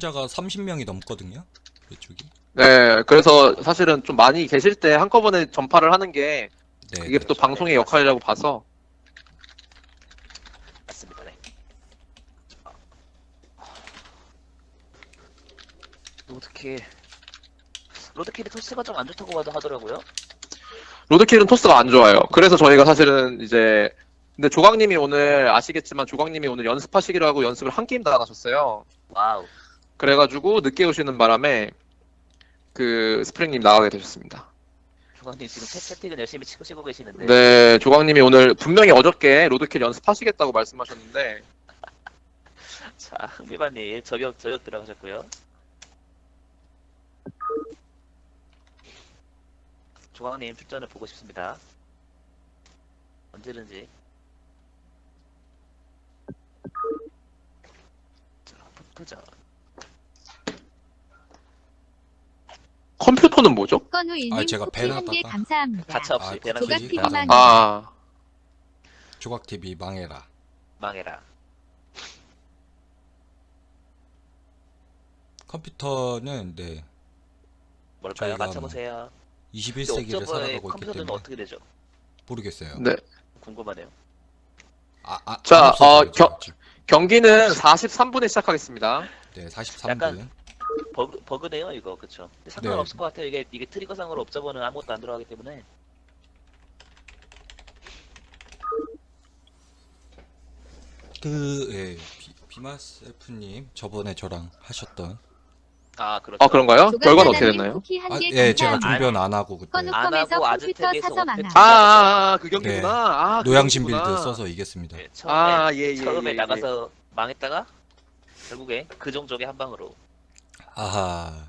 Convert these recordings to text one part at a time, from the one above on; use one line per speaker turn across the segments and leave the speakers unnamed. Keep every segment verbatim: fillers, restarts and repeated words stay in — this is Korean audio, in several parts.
시청자가 삼십 명이 넘거든요. 이쪽이.
네, 그래서 사실은 좀 많이 계실 때 한꺼번에 전파를 하는 게
네.
이게
네.
또 방송의 역할이라고 봐서.
맞습니다. 네. 로드킬 로드킬이 토스가 좀 안 좋다고 봐도 하더라고요.
로드킬은 토스가 안 좋아요. 그래서 저희가 사실은 이제 근데 조광님이 오늘 아시겠지만 조광님이 오늘 연습하시기로 하고 연습을 한 게임 다 나가셨어요.
와우.
그래가지고 늦게 오시는 바람에 그 스프링님 나가게 되셨습니다.
조광님 지금 채, 채팅을 열심히 치고 치고 계시는데.
네, 조광님이 오늘 분명히 어저께 로드킬 연습하시겠다고 말씀하셨는데
자, 흥미반님 저격 저격 들어가셨고요. 조광님 출전을 보고 싶습니다. 언제든지. 자, 포토전.
컴퓨터는 뭐죠?
건우일님
아, 제가
쿠키 한 개
배나다가-
감사합니다.
가차 없이
아,
대낮
조각
그치?
티비
맞아.
망
아,
조각티비 망해라.
망해라.
컴퓨터는 네
뭘까요?
저희가
맞춰보세요.
이십일
근데
세기를
옥저버의
살아가고 있기
컴퓨터는
때문에
어떻게 되죠?
모르겠어요.
네.
궁금하네요.
아, 아,
자,
안 없어져요,
어,
지금.
겨- 경기는 사십삼 분에 시작하겠습니다.
네, 사십삼 분.
약간 버그, 버그네요 이거. 그쵸? 근데 상관없을 것 같아요. 이게 이게 트리거상으로 옵저버는 아무것도 안 들어가기 때문에.
그 예, 비, 비마셀프님 저번에 저랑 하셨던
아 그렇죠.
아, 그런가요? 결과는 어떻게
조각나나님
됐나요?
쿠키 한
아,
개
예, 제가
감사합니다.
중변 안 하고 그때
건우
안
컴에서
하고
컴퓨터
아즈텍에서
사서 망함.
오펙
아, 아, 아, 그 경기구나.
네.
아, 그
노양심 빌드
경기구나.
써서 이겼습니다.
네, 처음에
아, 예, 예,
처음에
예, 예.
나가서 망했다가 결국에 그 종족의 한 방으로.
아하.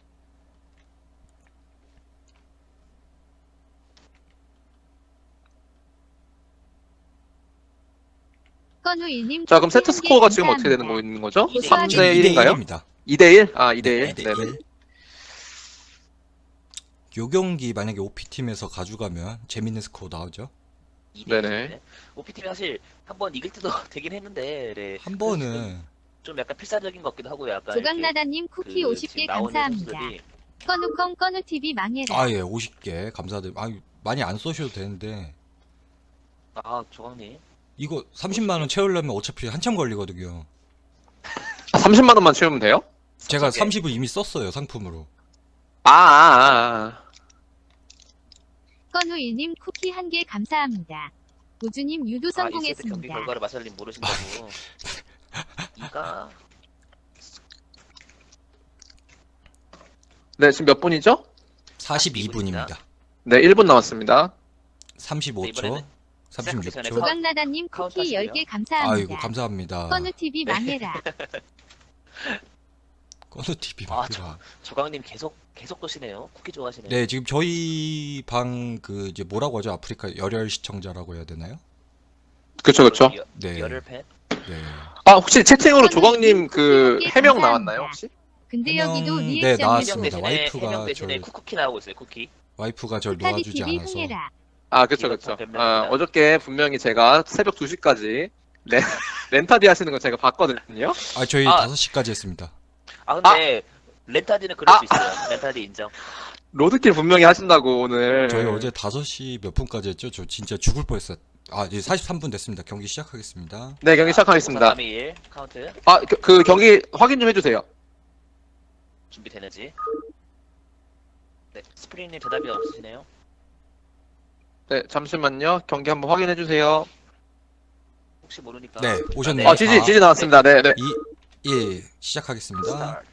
건우일님
자, 그럼
쿠키
세트
한 개
스코어가 지금 어떻게 되는
감사합니다.
거 있는 거죠?
이 대
삼
일.
대 일인가요?
일입니다.
이 대 일? 아, 이 대 일.
네, 이 대
네네.
일. 요 경기 만약에 오피팀에서 가져가면 재밌는 스코어 나오죠.
이 대
네네.
일인데. 오피팀이 사실 한 번 이길 때도 되긴 했는데 네.
한 번은
좀 약간 필사적인 것 같기도 하고 약간
조각나다님
이렇게
쿠키
그
오십 개
지금 나오는
감사합니다.
선수들이
건우컴 건우티비 망해라.
아, 예, 오십 개 감사드립니다. 아, 많이 안 써셔도 되는데
아 조광님
이거 삼십만 원 채우려면 어차피 한참 걸리거든요.
아, 삼십만 원만 채우면 돼요?
제가
오케이.
삼십을 이미 썼어요, 상품으로.
아, 아, 아.
건우일님 쿠키 한 개 감사합니다. 우주님 유도
아, 이 세트 경기
성공했습니다.
결과를 마살님 모르신다고. 이가
네, 지금 몇 분이죠?
사십이 분입니다.
네, 일 분 남았습니다.
삼십오 초,
이번에는
삼십육
시작하기 전에
초.
조각나다님
카운트
쿠키 열
하시고요.
개 감사합니다.
아이고, 감사합니다.
건우티비 망해라.
건우티비
아,
맞더라.
조광님 계속 계속 도시네요. 쿠키 좋아하시네요.
네, 지금 저희 방 그 이제 뭐라고 하죠? 아프리카 열혈 시청자라고 해야 되나요?
그쵸, 그쵸.
여-
네.
열혈 팬.
네.
아, 혹시 채팅으로
건우님
조광님 그
쿠키
해명
감사합니다.
나왔나요, 혹시?
근데
해명-
여기도
네,
리액션이
해명
나왔습니다.
대신에
와이프가
해명 대신에
저를-
쿠쿠키 나오고 있어요. 쿠키.
와이프가 절
스타디
놓아주지
티비
않아서.
흥해라.
아, 그쵸,
이거
그쵸.
다
아,
변명입니다.
어저께 분명히 제가 새벽 두 시까지 렌, 렌타디 하시는 거 제가 봤거든요.
아, 저희
아.
다섯 시까지 했습니다.
아 근데 렌타디는 그럴
아.
수 있어요. 렌타디 인정.
로드킬 분명히 하신다고 오늘.
저희 어제 다섯 시 몇 분까지 했죠? 저 진짜 죽을 뻔했어요. 아, 이제 사십삼 분 됐습니다. 경기 시작하겠습니다.
네, 경기 시작하겠습니다.
삼, 이, 일 카운트
아, 그, 그 경기 확인 좀 해주세요.
준비되는지. 네, 스프링님 대답이 없으시네요.
네, 잠시만요. 경기 한번 확인해 주세요.
혹시 모르니까.
네, 오셨네요.
아, 지지, 지지 나왔습니다. 네, 네.
이, 일 시작하겠습니다.
스타트.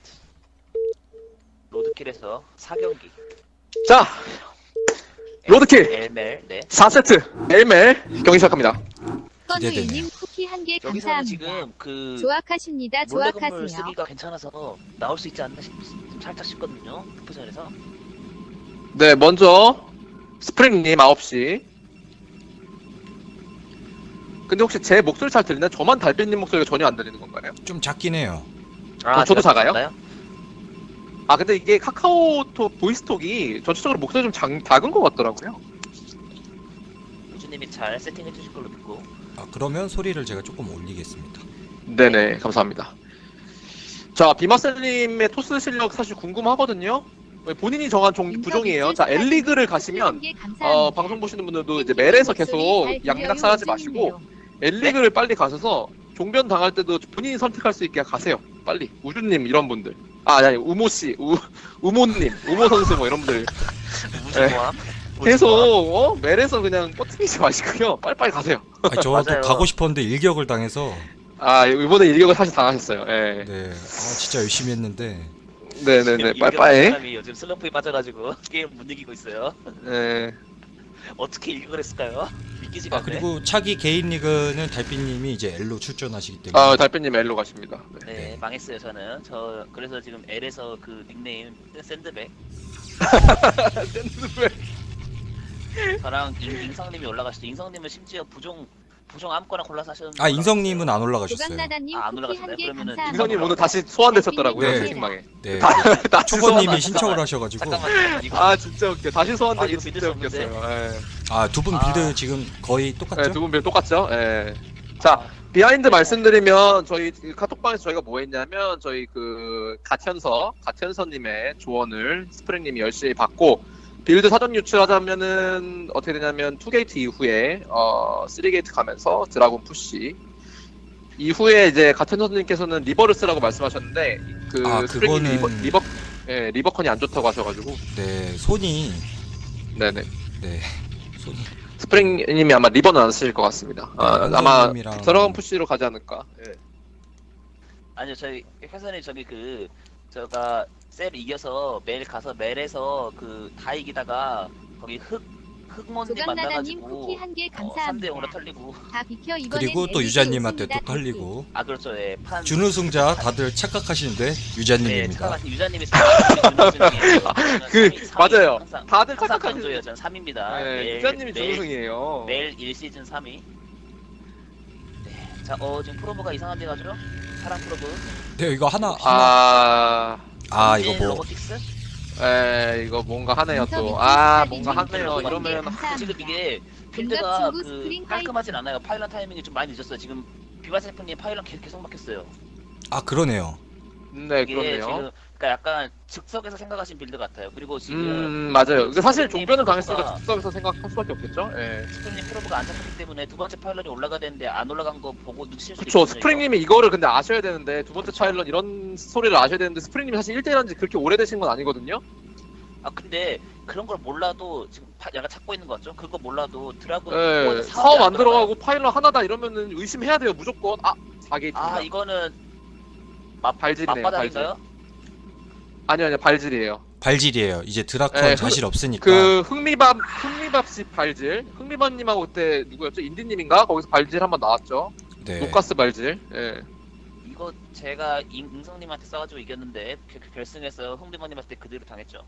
로드킬에서 사 경기.
자, 로드킬
엘멜. 네.
사 세트 엘멜 경기 시작합니다.
건우일님
기대되네요.
쿠키 한 개
여기서는
감사합니다.
지금 그
조악하십니다.
몰래 건물
조악하세요.
쓰기가 괜찮아서 나올 수 있지 않나 싶, 살짝 싶거든요. 푸전에서.
네, 먼저 스프링님 아홉 시. 근데 혹시 제 목소리 잘 들리나요? 저만 달빛님 목소리가 전혀 안 들리는 건가요?
좀 작긴 해요.
어, 저도
제가
작아요?
작나요?
아, 근데 이게 카카오톡 보이스톡이 전체적으로 목소리 좀 작, 작은 것 같더라고요.
우주님이 잘 세팅해 주실 걸로 믿고.
아, 그러면 소리를 제가 조금 올리겠습니다.
네네, 감사합니다. 자, 비마셀님의 토스 실력 사실 궁금하거든요. 본인이 정한 종, 부종이에요. 자, 엘리그를 가시면 어, 방송 보시는 분들도 이제 멜에서 계속 양락사하지 마시고 엘리그를 빨리 가셔서 종변 당할 때도 본인이 선택할 수 있게 가세요. 빨리. 우주님 이런 분들. 아, 아니, 우모 씨, 우 우모님, 우모 선수 뭐 이런 분들
무조건.
계속 어? 멜에서 그냥 뻗치지 마시고요. 빨리빨리 가세요.
아니, 저도
맞아요.
가고 싶었는데 일격을 당해서
아, 이번에 일격을 사실 당하셨어요. 예.
네, 아, 진짜 열심히 했는데
네네네, 빨리빨리.
사람이 요즘 슬럼프에 빠져가지고 게임 못 이기고 있어요.
예.
어떻게 일격을 했을까요? 믿기지가
아
않네.
그리고 차기 개인 리그는 달빛님이 이제 L로 출전하시기 때문에
아, 달빛님 엘로 가십니다. 네.
네, 망했어요 저는. 저 그래서 지금 L에서 그 닉네임 샌드백.
샌드백.
저랑 인, 인성님이 올라가시죠. 인성님은 심지어 부종 부종 아무거나 골라서 하셨는데.
아 인성님은 안 올라가셨어요.
조각나다님
아, 안
쿠키
올라가셨나요?
한개
그러면은
감사합니다.
인성님 오늘 다시 소환되셨더라고요,
네.
채팅방에.
네,
다시
초보님이
소환-
신청을 하셔가지고
잠깐만 잠깐만 이거.
아, 진짜 웃겨. 다시
아,
소환되기
이거
진짜
믿을 수 없는데.
웃겼어요. 예.
아 두 분
아.
빌드 지금 거의 똑같죠?
네, 두 분 빌 똑같죠? 예. 자, 비하인드 말씀드리면 저희 그 카톡방에서 저희가 뭐 했냐면 저희 그 가천서 가천서님의 조언을 스프링님이 열심히 받고 빌드 사전 유출하자면은 어떻게 되냐면 투 게이트 이후에 어 쓰리 게이트 가면서 드라곤 푸시 이후에 이제 가천서님께서는 리버를 쓰라고 말씀하셨는데 그
아,
스프링님이 리버,
그거는-
리버 예, 리버컨이 안 좋다고 하셔가지고
네, 손이
네네
네 손이
스프링님이 아마 리버는 안 쓰실 것 같습니다. 아,
네,
아마
현서님이랑-
드라곤 푸시로 가지 않을까. 예.
아니요 저희 회사님 저기 그 제가 셀 이겨서 멜 가서 멜에서 그 다 이기다가 거기 흑 흑몬님
조각나다님
만나가지고
쿠키 한개
어, 삼 대 영으로
감사합니다.
털리고.
다 비켜 이번엔
그리고 또
엘리디
유자님한테 또
웃습니다.
털리고
아 그렇죠. 예. 판
준우승자 다들 착각하시는데
네,
유자님입니다.
착각하신 유자님이 준우승이에요.
그 맞아요.
항상,
다들
항상
착각하시는.
강조해요. 전 삼 위입니다.
네, 유자님이 준우승이에요.
매일 일 시즌 삼 위. 네. 자, 어 지금 프로브가 이상한 데 가죠? 사랑 프로브.
네 이거 하나 하나
아,
아 이거 뭐
로보틱스?
에 이거 뭔가 하네요 또.
인터뷰
아,
스타일이
뭔가
좀
하네요.
그런 게
이러면
감사합니다.
지금 이게
동갑
필드가
친구
그
스프링
깔끔하진 않아요. 파일럿 타이밍이 좀 많이 늦었어요. 지금 비바세프님 파일럿 계속, 계속 막혔어요.
아 그러네요.
네,
이게
그렇네요.
지금 그러니까 약간 즉석에서 생각하신 빌드 같아요. 그리고 지금
음, 맞아요. 근데 사실
스프링님
종변을 당했으니까
프로브가-
즉석에서 생각할 수밖에 없겠죠. 예.
스프링님 프로브가 안 잡혔기 때문에 두 번째 파일럿이 올라가야 되는데 안 올라간 거 보고 눈치챌 수
그쵸.
있거든요.
스프링님이 이거를 근데 아셔야 되는데 두 번째 차일런 이런 소리를 아셔야 되는데 스프링님이 사실 일 대 일 한지 그렇게 오래되신 건 아니거든요.
아 근데 그런 걸 몰라도 지금 파, 약간 찾고 있는 거 같죠? 그거 몰라도 드라군
예.
이거는
사업
사업이
안 들어가고
들어가요.
파일럿 하나다 이러면은 의심해야 돼요. 무조건. 아, 사 게이트입니다.
아 이거는 맛
발질이네요.
맛바닥인가요?
아니요, 아니요. 발질이에요.
발질이에요. 이제 드라컨
네,
자실 없으니까.
그 흥미밥 흥미밥집 발질 흥미밥님하고 그때 누구였죠? 인디님인가? 거기서 발질 한번 나왔죠.
네.
녹가스 발질. 예.
이거 제가 임- 임성님한테 써가지고 이겼는데 그- 그 결승에서 흥대모님한테 그대로 당했죠.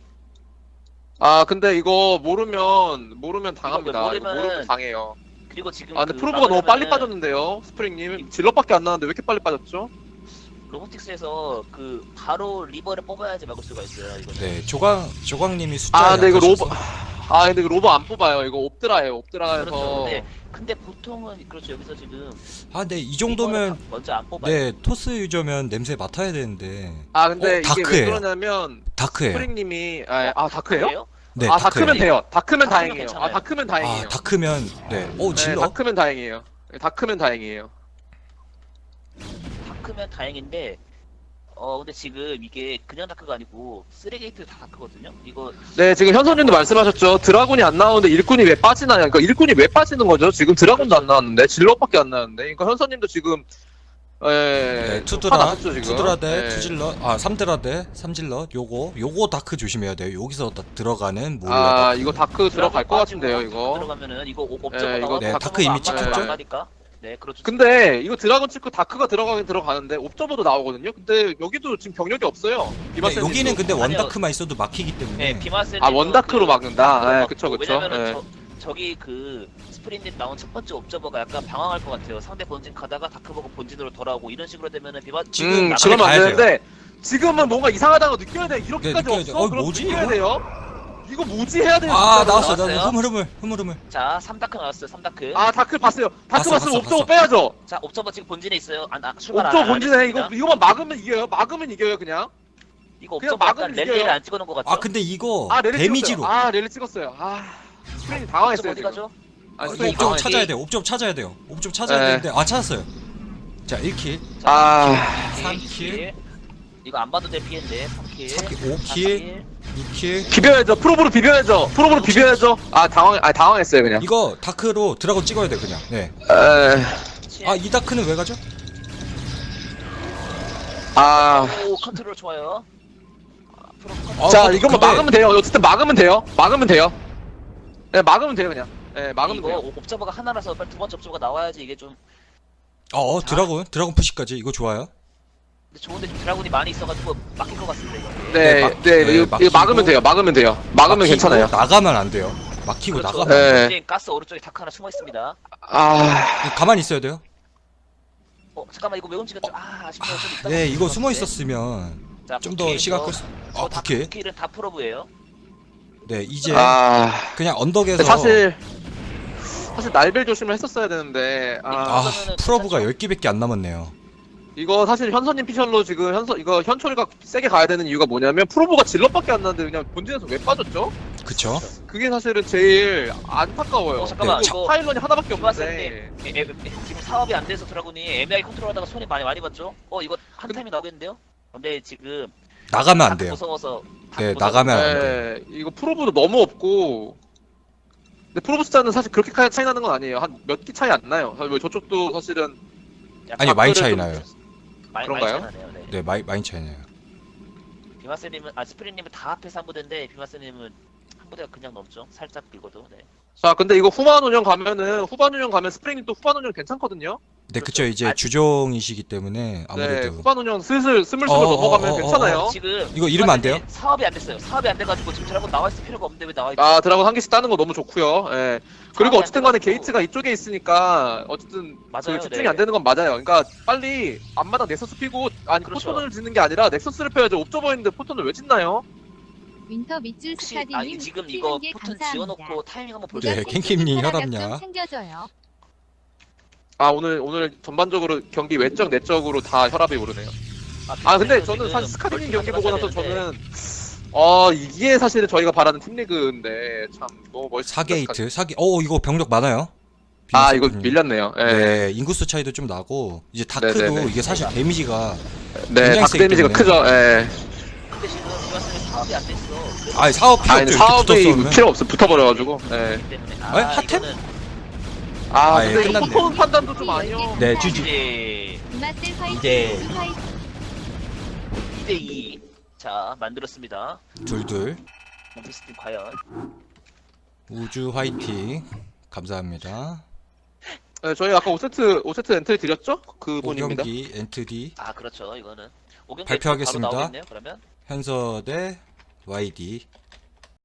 아 근데 이거 모르면 모르면 당합니다.
이거
이거
모르면은-
모르면 당해요.
그리고 지금
아 근데
그
프로브가 너무 빨리
막으려면은
빠졌는데요, 스프링님. 질럿밖에 안 나왔는데 왜 이렇게 빨리 빠졌죠?
로보틱스에서 그 바로 리버를 뽑아야지 막을 수가 있어요. 이거는.
네 조광 조광님이 숫자.
아 근데 이거
약하셔서.
로버 아 근데 이거 로버 안 뽑아요. 이거 옵드라예요. 옵드라에서.
그렇죠. 근데, 근데 보통은 그렇죠. 여기서 지금
아 근데 이 정도면
리버를 먼저 안 뽑아요.
네 토스 유저면 냄새 맡아야 되는데
아 근데
어,
이게
다크예요.
왜 그러냐면
다크예요.
스프링님이 아, 아 다크예요?
그래요?
네
아
다크예요.
다크면 돼요. 다크면
다크면
다행이에요.
괜찮아요.
아 다크면 다행이에요.
아 다크면 네. 오
네,
질러.
다크면 다행이에요. 네, 다크면 다행이에요.
다크면 다행인데 어 근데 지금 이게 그냥 다크가 아니고 쓰레게이트 다 다크거든요. 이거
네, 지금 현선님도 말씀하셨죠. 드라군이 안 나오는데 일꾼이 왜 빠지나요? 그러니까 일꾼이 왜 빠지는 거죠? 지금 드라군도 안 나왔는데 질럿밖에 안 나왔는데. 그러니까 현선님도 지금 예,
네,
좀
투드라,
화나셨죠, 지금?
투드라 대
예.
투질러, 아 삼드라 대 삼질러, 요거, 요거 다크 조심해야 돼요. 여기서 다 들어가는 몰라.
아,
다크.
이거 다크 들어갈 것
빠지고
같은데요,
다크
이거.
들어가면은 이거 옵- 옵저버
예, 이거
나와서
네,
다크가
다크 이미
안 맞아요.
찍혔죠?
안 가니까. 네, 그렇죠.
근데 이거 드라군 찍고 다크가 들어가긴 들어가는데 옵저버도 나오거든요. 근데 여기도 지금 병력이 없어요.
네,
비마센
여기는 근데
아니요.
원다크만 있어도 막히기 때문에.
네, 비마스
아, 원다크로 막는다. 네, 그쵸, 그쵸.
왜냐면은
네.
저, 저기 그 스프린님 나온 첫 번째 옵저버가 약간 방황할 것 같아요. 상대 본진 가다가 다크 보고 본진으로 돌아오고 이런 식으로 되면은 비마
지금
음,
집에
그러면 안
가야
되는데 지금은 뭔가 이상하다고 느껴야 돼. 이렇게까지
네, 느껴야
없어?
돼요. 어,
그럼
뭐지,
느껴야
이거?
돼요. 이거 무지 해야 돼요.
아
진짜로.
나왔어
나왔어요?
나왔어 흐물 흐물 흐물 흐물.
자, 삼 다크 나왔어요. 삼 다크.
아 다크 봤어요. 다크
봤어,
봤으면
봤어,
옵저버
봤어.
빼야죠.
자, 옵저버 지금 본진에 있어요. 안, 아, 출발 안,
옵저버
안
본진에 이거
하겠습니다.
이거만 막으면 이겨요. 막으면 이겨요 그냥.
이거
그냥
옵저버 약간
막으면
랠리를
이겨요.
안 찍어놓은 것 같죠?
아 근데 이거
아 랠리
데미지로.
찍었어요. 아 랠리 찍었어요. 아 스프링이
옵저버
당황했어요.
어디
지금.
가죠?
아,
어,
스프링이
이거 옵저버
당황했어요.
찾아야 돼요. 옵저버 찾아야 돼요. 옵저버 찾아야
네.
되는데 아 찾았어요. 자 일 킬,
아
삼
이
킬,
킬. 이거 안 봐도 될 피해인데 삼 킬.
사 킬, 오 킬, 이 킬.
비벼야죠. 프로브로 비벼야죠. 프로브로 비벼야죠. 아 당황 아 당황했어요 그냥.
이거 다크로 드라곤 찍어야 돼 그냥. 네.
에...
아 이 다크는 왜 가죠?
아.
오, 컨트롤 좋아요. 아, 프로 컨트롤.
어,
자
근데-
이거만
근데-
막으면 돼요. 어쨌든 막으면 돼요. 막으면 돼요. 네 막으면 돼요 그냥. 네 막으면
이거
돼요.
옵저버가 하나라서 빨리 두 번째 옵저버가 나와야지 이게 좀
어, 어 드라곤 드라곤 푸시까지 이거 좋아요.
근데 좋은데 좀 드라군이 많이 있어가지고 막힐 것 같습니다 이거.
네,
네,
네,
막- 네,
이거, 이거
막히고.
막으면 돼요. 막으면 돼요. 막으면
막히고
괜찮아요.
나가면 안 돼요. 막히고
그렇죠.
나가면 안 돼요.
네.
본진 가스 오른쪽에 다크 하나 숨어 있습니다.
아,
가만히 있어야 돼요.
어 잠깐만 이거 왜 움직였죠? 아 아쉽네요. 좀 이따가
네 이거
움직였는데.
숨어 있었으면
자,
좀 더
부캐
시간
이거
끌 수.
저
아
다
부캐.
부캐는 다 프로브예요.
네 이제
아,
그냥 언덕에서
근데 사실 사실 날벨 조심을 했었어야 되는데 아,
아
그러면은
프로브가
괜찮죠?
열 개밖에 안 남았네요.
이거 사실 현선님 피셜로 지금 현선 이거 현철이가 세게 가야 되는 이유가 뭐냐면 프로브가 질럿밖에 안 나는데 그냥 본진에서 왜 빠졌죠?
그쵸?
그게 사실은 제일 안타까워요.
어, 잠깐만,
그리고
이거
파일런이 하나밖에
김화쌤님,
없는데.
에, 에, 에, 지금 사업이 안 돼서 드라군이 애매하게 컨트롤하다가 손이 많이 많이 봤죠? 어 이거 한
그-
타임이 나오겠는데요? 근데 지금
나가면 안
다크
돼요.
무서워서 다크
네
무서워서
나가면 안 돼요.
네, 이거 프로브도 너무 없고. 근데 프로브 숫자는 사실 그렇게 차- 차이 나는 건 아니에요. 한 몇 기 차이 안 나요. 사실 저쪽도 사실은
약간
아니 많이
다크를
차이
좀-
나요.
많이,
그런가요?
많이 차이 나네요. 네.
네 많이 많이 차이 나요.
비마스님은 아 스프링님은 다 앞에서 한 부대인데 비마스님은 한 부대가 그냥 넘죠. 살짝 밀고도. 네.
자, 근데 이거 후반 운영 가면은 후반 운영 가면 스프링이 또 후반 운영 괜찮거든요.
네 그쵸 이제
아-
주종이시기 때문에
네,
아무래도
후반 운영 슬슬 스물스물
어, 어,
넘어가면
어, 어,
괜찮아요.
어, 지금
이거 이러면 안 돼요?
비마스님 사업이 안 됐어요. 사업이 안 돼가지고 지금 드라군 나와 있을 필요가 없는데 왜 나와 있죠?
아, 드라곤 한 개씩 따는 거 너무 좋고요. 예. 그리고
안
어쨌든 간에
돼가지고-
게이트가 이쪽에 있으니까 어쨌든
맞아요,
그 집중이
네.
안 되는 건 맞아요. 그러니까 빨리 앞마당 넥서스 피고 아니
그렇죠.
포톤을 짓는 게 아니라 넥서스를 펴야죠. 옵저버 있는데 포톤을 왜 짓나요?
윈터 밑줄
혹시 아
스타디님
지금 이거
게
포튼
감사합니다.
지어놓고 타이밍 한번 볼까요?
네, 캔킴님
혈압약
혈압약.
좀 챙겨줘요.
아, 오늘 오늘 전반적으로 경기 외적 내적으로 다 혈압이 오르네요. 아, 근데
비마스님은
저는
지금
사실 스카리님
멀티
경기 보고 나서
가져가셔야 되는데
저는 어, 이게 사실은 저희가 바라는 팀리그인데 참 너무 멋있다.
사 게이트 사 게. 어 이거 병력 많아요.
아, 이거
비마스님.
밀렸네요. 예.
네 인구수 차이도 좀 나고 이제 다크도
네네네.
이게 사실 데미지가
네,
굉장히
다크
세기
데미지가
때문에.
크죠. 예.
근데 지금 비마스님 사업이 안 됐어. 그래서
아니 사업 필요
아니,
없죠.
사업이
이렇게 붙었으면.
필요 없어. 붙어버려가지고. 예.
그렇기 때문에 아,
에? 핫템?
이거는
아,
아, 예,
근데 이거
끝났네.
포톤 판단도 좀 아니요.
네, 지지.
이제
이마셀 화이팅.
이제-
화이팅.
이 대 이. 자 만들었습니다.
둘둘
몬티스팀 과연
우주 화이팅 감사합니다.
네, 저희 아까 오 세트 오 세트 엔트리 드렸죠? 그분입니다.
오경기 엔트디
아 그렇죠 이거는 오경기
발표하겠습니다.
바로 나오겠네요 그러면
현서 대 와이디